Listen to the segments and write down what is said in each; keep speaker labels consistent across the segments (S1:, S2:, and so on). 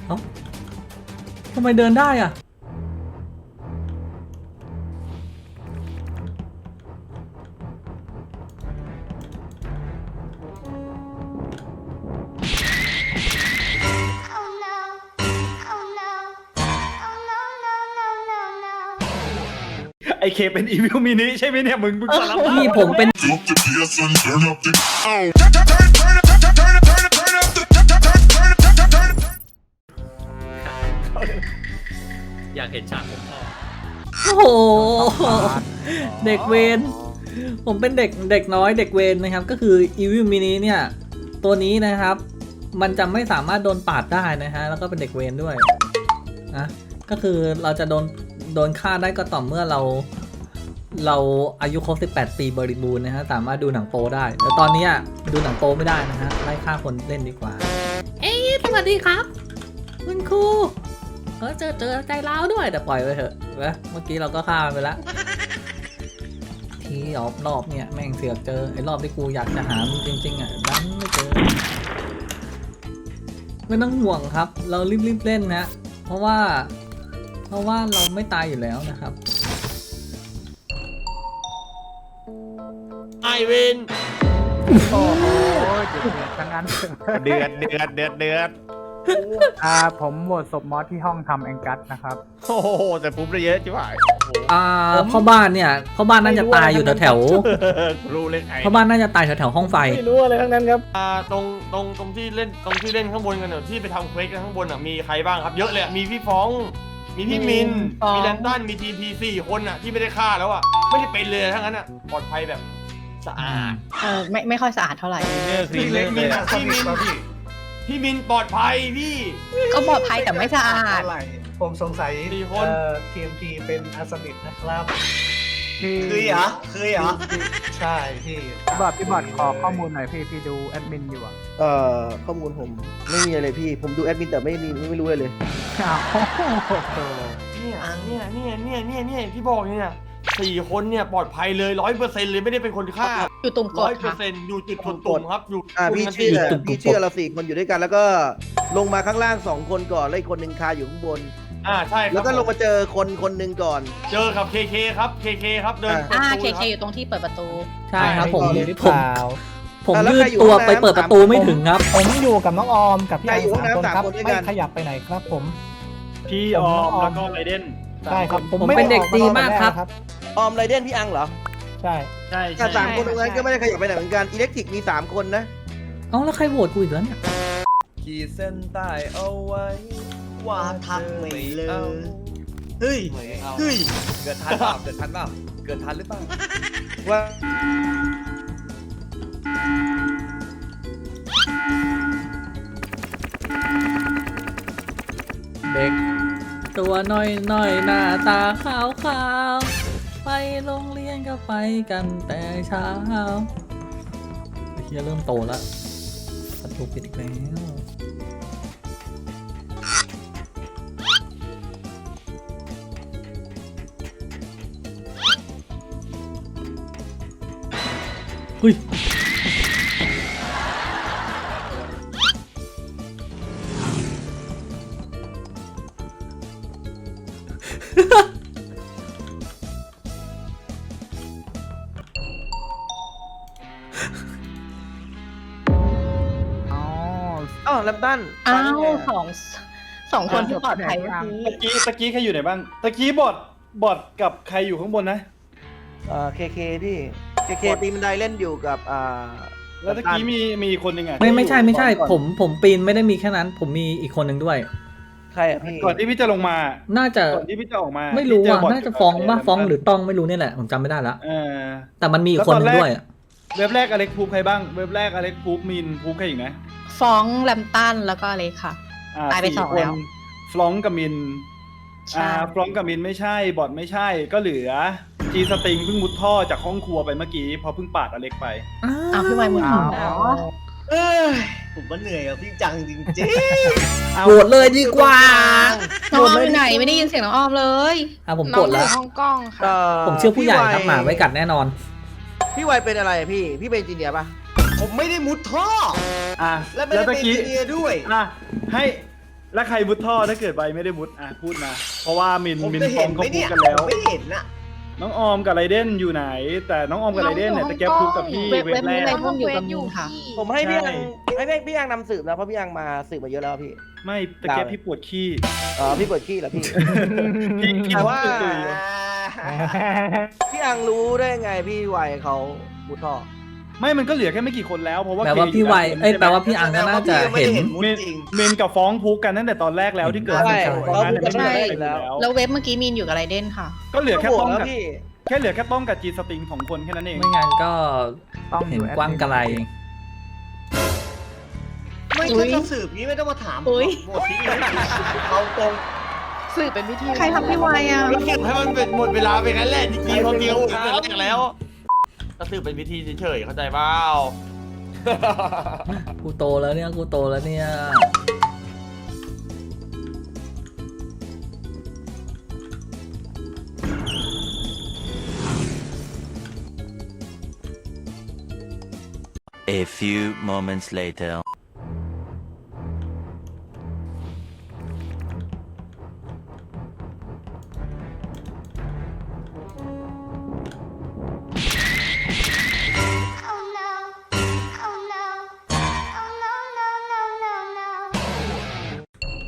S1: เอ้าทำไมเดินได้อ่ะ
S2: ไอเคเป็นอีวิลมินิใช่ไหมเนี่ยมึงสารภาพ
S1: พี่ผมเป็น
S3: อยากเห็นฉากผมพ่อ
S1: โอ้โหเด็กเวรผมเป็นเด็กน้อยเด็กเวรนะครับก็คือ Evil Mini เนี่ยตัวนี้นะครับมันจะไม่สามารถโดนปาดได้นะฮะแล้วก็เป็นเด็กเวรด้วยนะก็คือเราจะโดนฆ่าได้ก็ต่อเมื่อเราอายุครบ18 ปีบริบูรณ์นะฮะสามารถดูหนังโป๊ได้แต่ตอนนี้ดูหนังโป๊ไม่ได้นะฮะไล่ฆ่าคนเล่นดีกว่าเอ้ยสวัสดีครับคุณครูเจอใจร้าวด้วยแต่ปล่อยไปเถอะนะเมื่อกี้เราก็ฆ่ามันไปแล้วที่รอบเนี่ยแม่งเสือกเจอไอ้รอบที่กูอยากจะหามันจริงๆดันไม่เจอไม่ต้องห่วงครับเรารีบเล่นนะเพราะว่าเราไม่ตายอยู่แล้วนะครับ
S3: ไอวิน
S4: โอ้โหเดือดทั้งนั้น
S2: เดือด
S4: ผมโหวตศพมอสที่ห้องทำแองกัสนะครับ
S2: โอ้โหแต่ปุ๊บได้เยอะจิ๋วหาย
S1: พ่อบ้านเนี่ยพ่อบ้านน่าจะตายอยู่แถว
S2: รู้เลยไง
S1: พ่อบ้านน่าจะตายแถวห้องไฟ
S5: ไม่รู้อะไรทั้งนั้นครับ
S3: ตรงที่เล่นข้างบนกันที่ไปทำเควสกันข้างบนมีใครบ้างครับเยอะเลยมีพี่ฟ้องมีพี่มินมีแลนตันมีทีพี4 คนที่ไม่ได้ฆ่าแล้วไม่ได้เป็นเลยทั้งนั้นปลอดภัยแบบสะอาด
S6: ไม่ค่อยสะอาดเท่าไหร่
S3: พี่เล็กมีพี่มินปลอดภัยพี่
S6: ก็ปลอดภัยแต่ไม่สะอาด
S5: ผมสงสัย
S3: 4 คน
S5: TMT เป็นอาสมิทนะครับ
S4: คือเหรอ
S5: ใช่พี่
S4: พี่บอดขอข้อมูลหน่อยพี่ดูแอดมินอยู่อ่ะ
S7: ข้อมูลผมไม่มีอะไรพี่ ผมดูแอดมินแต่ไม่รู้อะไรเลย
S4: อ้าวโอ้โห
S3: เนี่ยที่บอกเนี่ย4 คนเนี่ยปลอดภัยเลย 100% เลยไม่ได้เป็นคนฆ่า
S6: อยู่ตรงกดค่ะ
S3: 100%อยู่จุดตุ่มครับอยู่
S7: พี่เชื่อเรา4 คนอยู่ด้วยกัน แล้วก็ลงมาข้างล่าง2 คนก่อนแล้วอีกคนหนึ่งคาอยู่ข้างบน
S3: ใช่ครับ
S7: แล้วก็ลงมาเจอคนหนึ่งก่อน
S3: เจอกับเคครับครับเดิน
S6: เคอยู่ตรงที่เปิดประตู
S1: ใช่ครับผม
S5: หรือเปล่า
S1: ยืดตัวไปเปิดประตูไม่ถึงครับ
S5: ผมอยู่กับน้องออมกับพี่
S7: ใคร
S5: อั
S7: อยู่
S5: ง
S7: ห้องน้ำ
S5: 3 คนครับ
S7: 3 คนด้วย
S5: ไม่
S7: กัน
S5: ขยับไปไหนครับผม
S2: พี่ออมแล้วก็ไรเดน
S5: ใช่ครับ
S1: ผมเป็นเด็กดีมากครับ
S7: ออมไรเดนพี่อังเหรอ
S5: ใช่
S2: ใช่
S7: แต่3 คนตรงนั้นก็ไม่ได้ขยับไปไหนเหมือนกันอิเล็กทริกมี3 คนนะ
S1: เอ้าแล้วใครโหวตกูอีกแล้วเนี่ย
S8: ขีดเส้นใต้เอาไว้
S9: ว่าทักไม่เลย
S8: อา
S9: เฮ้ย เฮ้ย
S8: เกิดทันเปล่าเกิดทันเปล่าเกิดทันหรือเปล่า
S7: ว่า
S1: เด็กตัวน้อยหน้าตาขาวไปโรงเรียนก็ไปกันแต่เช้าเฮียเริ่มโตแล้วประตูปิดอีกแล้วเฮ้ย
S4: อ๋อ
S7: แลมตัน
S6: อ้าวสองคนที่ปลอดภัยเมื่อกี้
S2: ตะกี้ใครอยู่ไหนบ้างตะกี้บอดกับใครอยู่ข้างบนนะ
S7: เคพี่เคปีนบันไดเล่นอยู่กับ
S2: แล้วตะกี้มีคนหนึ่ง
S1: ไม่ใช่ผมปีนไม่ได้มีแค่นั้น ผมมีอีกคนหนึ่งด้วย
S7: ใครอ่ะพี่
S2: ก่อนที่พี่จะลงมา
S1: น่าจะ
S2: ก่อนที่พี่จะออกมา
S1: ไม่รู้อ่ะ
S2: พี่เจอบอท
S1: น่าจะฟ้องป่ะฟ้องหรือต้องไม่รู้เนี่ยแหละผมจำไม่ได้ละ แต่มันมีอีกคนหนึงด้วยอะ
S2: เว็บแรกอเล็กพูฟใครบ้างเว็บแรกอเล็กพูฟมินพูฟใครอีกนะ
S6: ฟ้องแลมตันแล้วก็อะไรค่ะ ตายไป
S2: 4
S6: 2 แล้ว
S2: ฟลองกับมิน
S6: ใช่
S2: ฟลองกับมินไม่ใช่บอทไม่ใช่ก็เหลือจีสติงเพิ่งมุดท่อจากห้องครัวไปเมื่อกี้พอเพิ่งปาดอเล็กไป
S6: อ้าวพี่ไวมุน
S4: อ้าว
S6: แล้ว
S9: เอ้ย ผมก็เหนื่อยกับพี่จังจริง
S1: โหวตเลยดีกว่า
S6: น้องออมอยู่ไหนไม่ได้ยินเสียงน้องออมเลย
S1: ผมกดแล้ว
S6: ห้องกล้องค่ะ
S1: ผมเชื่อผู้ใหญ่ครับหมาไว้กัดแน่นอน
S7: พี่ไวเป็นอะไรอ่ะพี่เป็นจีเนียร์ป่ะ
S9: ๆ ผมไม่ได้มุดท่อ
S2: อ่ะ
S9: และไม่ได้
S2: ตะ
S9: เป็น
S2: กี้
S9: เนียร์ด้วย
S2: อ่ะให้แล้วใครมุดท่อถ้าเกิดใบไม่ได้มุดอ่ะพูดมาเพราะว่ามิน
S9: ผม
S2: มิน
S9: จะ
S2: ฟ
S9: เห็
S2: อน ง
S9: ไหม
S2: เขาพู
S9: เนี่
S2: ด
S9: ย
S2: กันแล้ว
S9: ผมไม่เห็นน่ะ
S2: น้องออมกับไรเดนอยู่ไหน แต่น้องออมกับไรเดนเนี่ยตะแกพูดกับพี่
S6: เว็บ
S2: เว็บแร
S6: นี้
S2: ก
S6: ไรพวกอยู่กับมินค่ะ
S7: ผมให้พี่อัง
S2: ใช่
S7: ให้พี่อังนำสืบนะเพราะพี่อังมาสืบมาเยอะแล้วพี่
S2: ไม่ตะแกพี่ปวดขี้
S7: อ๋อพี่เปิดขี้เหรอพี่
S2: พี่
S7: แต่ว่า
S2: ตุย
S7: พี่อังรู้ได้ไงพี่วัยเขามุดท่อ
S2: ไม่มันก็เหลือแค่ไม่กี่คนแล้วเพราะว่า
S1: แปลว่าพี่ไวแปลว่าพี่อังก็น่าจะเห็น
S2: เมนกับฟ้องพุกกันตั้งแต่ตอนแรกแล้วที่เกิด
S7: ใช่
S2: ตอนนั้นเนี่ย
S7: ใช่
S2: ไม่ได้อยู่แล้ว
S6: แล้วเว็บเมื่อกี้มีนอยู่กับไรเดนค่ะ
S2: ก็เหลือแค่
S7: ก็บ
S2: ต้
S7: อ
S2: อก ง
S7: แล้ว
S2: กับ
S7: พี่
S2: แค่เหลือแค่ต้องกับจีสติง2คนแค่นั้นเอง
S1: ไม่งั้นก็
S4: ต้อง
S1: เห็น
S4: อยู่แอดมิน
S1: กว้างไกล
S9: ไม่
S6: อุ๊
S9: ถ้าย จะสืบนี้ไม่ต้องมาถาม
S6: อุ๊ย
S9: หมดทิ้งเลยเอาตรง
S6: สื่อเป็นวิธีใครทำพี่วายอ่ะ
S3: แล้วเก็บให้มันเป็นหมดเวลาไปงั้นแหละจริงๆความจริงเราตั้งแต่แรกแล้วก็สืบเป็นวิธีเฉยๆเข้าใจเปล่า
S1: กูโตแล้วเนี่ยกูโตแล้วเนี่ย
S10: A few moments later.
S11: Oh no. Oh no. Oh no, no, no, no, no.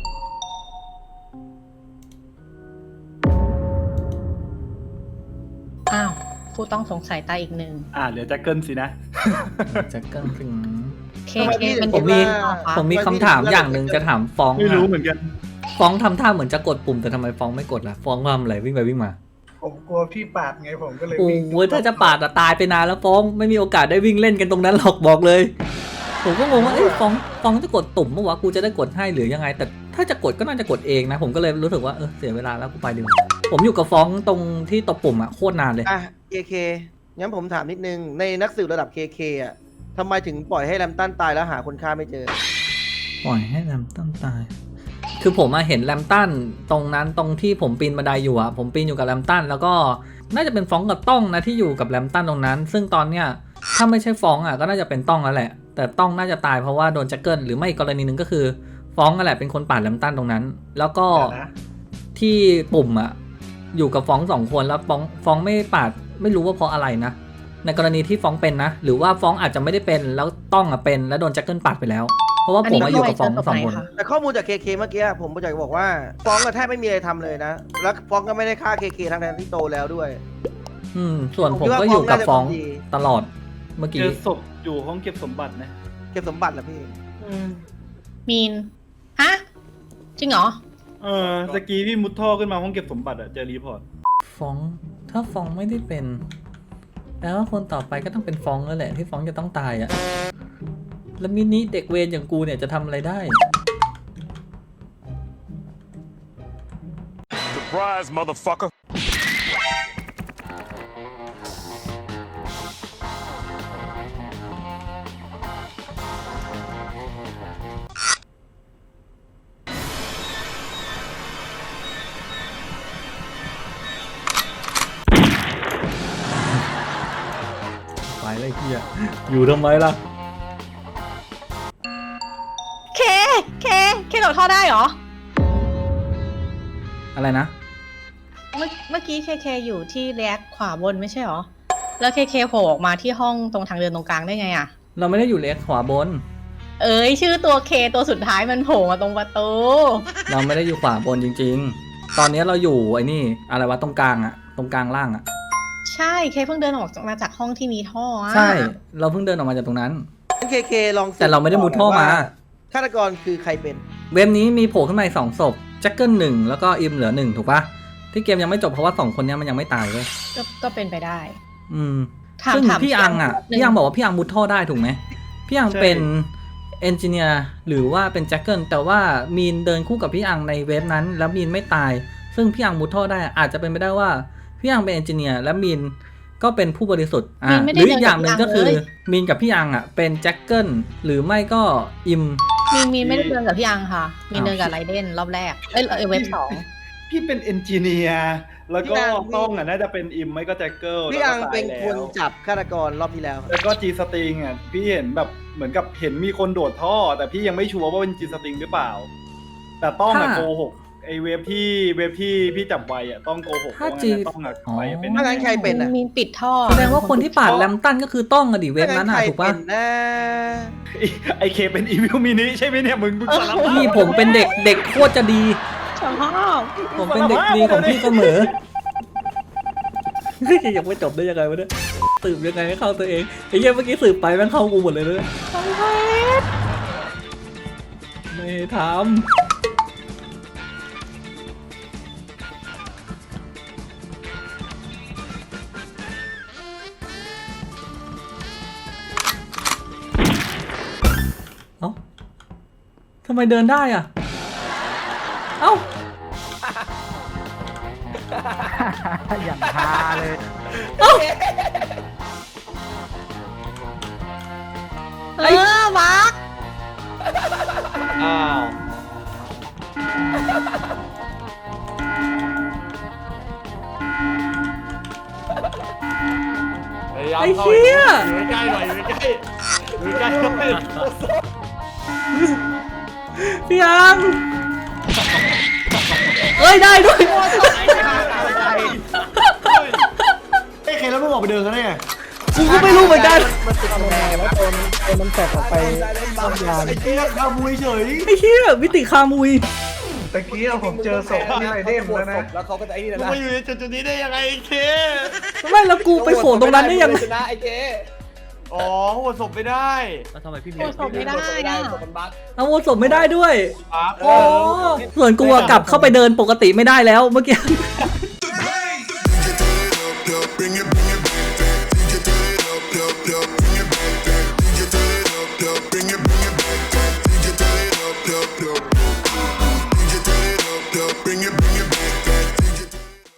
S6: อ้าว ผู้ต้องสงสัยตายอีกหนึ่ง
S2: เหลือแจ็คเกิลสินะ
S1: จะเกินถึง
S6: เค
S7: ทำไม
S6: เค
S7: พี่
S6: มัน
S1: ผมมี
S6: อยู่ต่อคะ
S1: ผมมีคำถามอย่างหนึ่งจะถามฟ้อง
S2: ไม่รู้
S1: อะ
S2: เหมือนกัน
S1: ฟ้องทำท่าเหมือนจะกดปุ่มแต่ทำไมฟ้องไม่กดล่ะฟ้องทำอะไรวิ่งไปวิ่งมา
S5: ผมกลัวพี่ปาดไงผมก็เลย
S1: โอ้
S5: วิ่ง
S1: โหถ้าจะปาดอะตายไปนานแล้วฟ้องไม่มีโอกาสได้วิ่งเล่นกันตรงนั้นหรอกบอกเลย ผมก็งงว่าเอ้ยฟ้องจะกดตุ่มเมื่อวะกูจะได้กดให้หรือยังไง แต่ถ้าจะกดก็น่าจะกดเองนะ ผมก็เลยรู้สึกว่าเสียเวลาแล้วกูไปดีกว่าผมอยู่กับฟ้องตรงที่ตบปุ่มอะโคตรนานเลย
S7: อ่ะ KK งั้นผมถามนิดนึงในนักสืบระดับ KK อ่ะทำไมถึงปล่อยให้แรมตันตายแล้วหาคนฆ่าไม่เจอ
S1: ปล่อยให้แรมตันตาย คือผมมาเห็นแรมตันตรงนั้นตรงที่ผมปีนบันไดอยู่อะผมปีนอยู่กับแรมตันแล้วก็น่าจะเป็นฟ้องกับต้องนะที่อยู่กับแรมตันตรงนั้น ซึ่งตอนเนี้ยถ้าไม่ใช่ฟ้องอะก็น่าจะเป็นต้องแล้วแหละ แต่ต้องน่าจะตายเพราะว่าโดนแจ็คเกิลหรือไม่อีกกรณีหนึ่งก็คือฟ้องนั่นแหละเป็นคนปาดแรมตันตรงนั้น แล้วก็
S5: เดี๋ยวนะ
S1: ที่ปุ่มอะอยู่กับฟ้อง2 คนแล้วฟ้องไม่ปาดไม่รู้ว่าเพราะอะไรนะ ในกรณีที่ฟ้องเป็นนะ หรือว่าฟ้องอาจจะไม่ได้เป็นแล้วต้องอะเป็นแล้วโดนแจ็คเกิลปาดไปแล้ว เพราะว่าผมมาอยู่กับฟ้อง2 คน
S7: แต่ข้อมูลจาก KK เมื่อกี้ผมอยากจะบอกว่าฟ้องก็แทบไม่มีอะไรทำเลยนะ แล้วฟ้องก็ไม่ได้ฆ่า KK ทั้งที่โตแล้วด้วย
S1: ส่วนผมก็อยู่กับฟ้อง
S7: ผมคิดว่าฟ้องน่าจะดี
S1: ตลอดเมื่อ
S2: เจ
S1: กี้
S2: อศพอยู่ห้องเก็บสมบัตินะ
S7: เก็บสมบัติเหรอพี่
S6: มีน ฮะ จริงเหรอ
S2: ตะกี้พี่มุดท่อขึ้นมาห้องเก็บสมบัติเจอรีพอร์ต
S1: ฟ้องถ้าฟ้องไม่ได้เป็นแล้วคนต่อไปก็ต้องเป็นฟ้องแล้วแหละที่ฟ้องจะต้องตายอะแล้วมินิเด็กเวรอย่างกูเนี่ยจะทำอะไรได้
S10: Surprise, motherfucker.
S1: ไปเลยเฮียอยู่ทำไมล่ะ
S6: เคโดดท่อได้เหรอ
S1: อะไรนะ
S6: เมื่อกี้เคอยู่ที่แรกขวาบนไม่ใช่เหรอ แล้วเคโผล่ออกมาที่ห้องตรงทางเดินตรงกลางได้ไงอะ
S1: เราไม่ได้อยู่เลสขวาบน
S6: เอ้ยชื่อตัวเคตัวสุดท้ายมันโผล่มาตรงประตู
S1: เราไม่ได้อยู่ขวาบนจริงๆ ตอนนี้เราอยู่ไอ้นี่อะไรวะตรงกลางอะตรงกลางล่างอะ
S6: ใช่เคเพิ่งเดินออกมาจากห้องที่มีท่ออะ
S1: ใช่ เราเพิ่งเดินออกมาจากตรงนั้น
S7: KK ลองสืบ
S1: แต่เราไม่ได้มุดท่อมา
S7: ฆาตกรคือใครเป็น
S1: เว็บนี้มีโผล่ขึ้นมาอีก2 ศพแจ็คเกิล1แล้วก็อิมเหลือ1ถูกปะที่เกมยังไม่จบเพราะว่า2 คนเนี้ยมันยังไม่ตายเว้ย
S6: ก็เป็นไปได้ ถาม
S1: ซึ่ง
S6: ถาม
S1: พี่อังอ่ะ
S6: นิดนึง
S1: พี่อังบอกว่าพี่อังมุดท่อได้ถูกไหมพี่อังเป็นเอนจิเนียร์หรือว่าเป็นแจ็คเกิลแต่ว่ามีนเดินคู่กับพี่อังในเว็บนั้น แล้วมีนไม่ตาย ซึ่งพี่อังมุดท่อได้อาจจะเป็นไปได้ว่าพี่อังเป็นเอนจิเนียร์และมีนก็เป็นผู้บริสุทธิ์หรืออีกอย่างหนึ่งก็คือมีนกับพี่อังอ่ะเป็นแจ็คเกิลหรือไม่ก็อิม
S6: มีนไม่ได้เดินกับพี่อังค่ะ มีนเดินกับไรเดนรอบแรก เว็บ2
S2: พี่เป็นเอนจิเนียร์แล้วก็
S7: พี่อัง
S2: ต้องน่าจะเป็นอิมไม่ก็แจ็คเกิล
S7: พี่อัง
S2: แล้วก็ตาย
S7: เป็นคน
S2: แล้ว
S7: จับฆาตกรรอบที่แล้ว
S2: แล้วก็จีสติงพี่เห็นแบบเหมือนกับเห็นมีคนโดดท่อ แต่พี่ยังไม่ชัวร์ว่าเป็นจีสติงหรือเปล่าแต่ต้องอะ
S1: ถ้า
S2: โกหกไอเว็บที่พี่จับไว้อะต้องโกหก
S1: ถ้า
S2: เพระ
S1: จี
S2: งั้นต้องอะไว้เป็น
S7: ถ้างั้นใครเป็นอ่ะ
S6: มีปิดท่อ
S1: แสดงว่าคนที่ปาดแลมตันก็คือต้องอะดิเว็บนั้นอะถูกปะ
S7: ถ้างั้นใครเป็นนะ
S2: ไอเคเป็นอีวิลมินิใช่ไหมเนี่ยมึงสารภาพ
S1: พี่ผมเป็นเด็กโคตรจะดี
S6: ชอบ
S1: ผมเป็นเด็กดีของพี่เสมอยังไม่จบได้ยังไงวะเนี่ยสืบยังไงให้เข้าตัวเองไอ้เหี้ยเมื่อกี้สืบไปแม่งเข้ากูหมดเลยเลยไม่ทำเอ้าทำไมเดินได้อ่ะเอ้า
S4: อย่างฮาเลย
S6: มาร์ค
S3: อ้าว พยายาม
S1: ไอ้
S3: เข้า
S1: เหี้ย
S3: อยู่ใกล้ๆหน่อยอยู่ใกล้ๆอยู่ใกล้ๆหน่อย
S1: พี่อังเอ้ยได้ด้วย
S9: ไอ้เคแล้วมึงออกไปเดินกันได้ไง
S1: กูก็ไม่รู้เหมือนกัน
S4: มันแตกออกไปต้นยาง
S9: ไอ้เจ๊ทำมุยเฉย
S1: ไอ้เหี้ยมิติคามุย
S5: ตะกี้ผมเจอศพที่ไรเดนแล้วนะ
S8: แล้วเขาก็จะไอ้นี่
S3: มึ
S8: นะ
S3: งมาอยู่ในจุดๆนี้ได้ยังไงไอ้เค
S1: ไม่แล้วกูไปโผล่ตรงนั้นได้ยังไง
S8: ชนะไอ้เจ๊
S3: อ๋อหัวศพไม่ได้
S1: ทำไมพี่
S6: โอ้ศพไม่ได้อะ
S8: มันบั๊ก
S1: เอาโอศพไม่ได้ด้วย
S3: ปั๊บ
S1: โอ้ส่วนกูอะกลับเข้าไปเดินปกติไม่ได้แล้วเมื่อกี้
S11: Bring it